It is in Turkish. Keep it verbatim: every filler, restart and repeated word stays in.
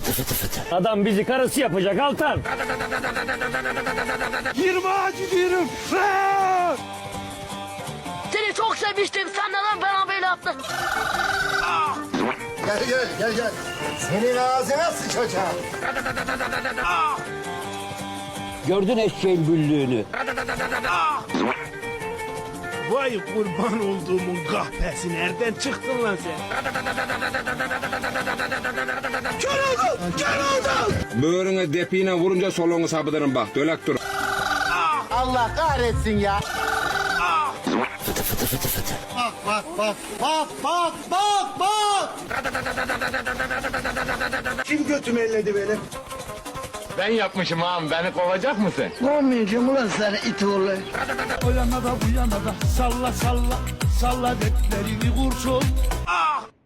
Adam bizi karısı yapacak Altan. Yirmi gidiyorum. Seni çok sevmiştim. Sen neden bana böyle yaptın? Gel gel gel gel. Senin ağzına sıçacağım. Gördün eşeğin büllüğünü. Vay kurban olduğumun kahpesi, nereden çıktın lan sen? Kör oldum, kör oldum. Böğrüne depiğine vurunca soluğunu sapıdırım bak, dölek dur. Allah kahretsin ya. Bak bak bak bak bak bak bak. Kim götümü elledi benim? Ben yapmışım ağam, beni kovacak mısın? Olmayacağım ulan sana it oğlu. O yana da bu yana da salla salla. Salla deplerini kurşun. Ah!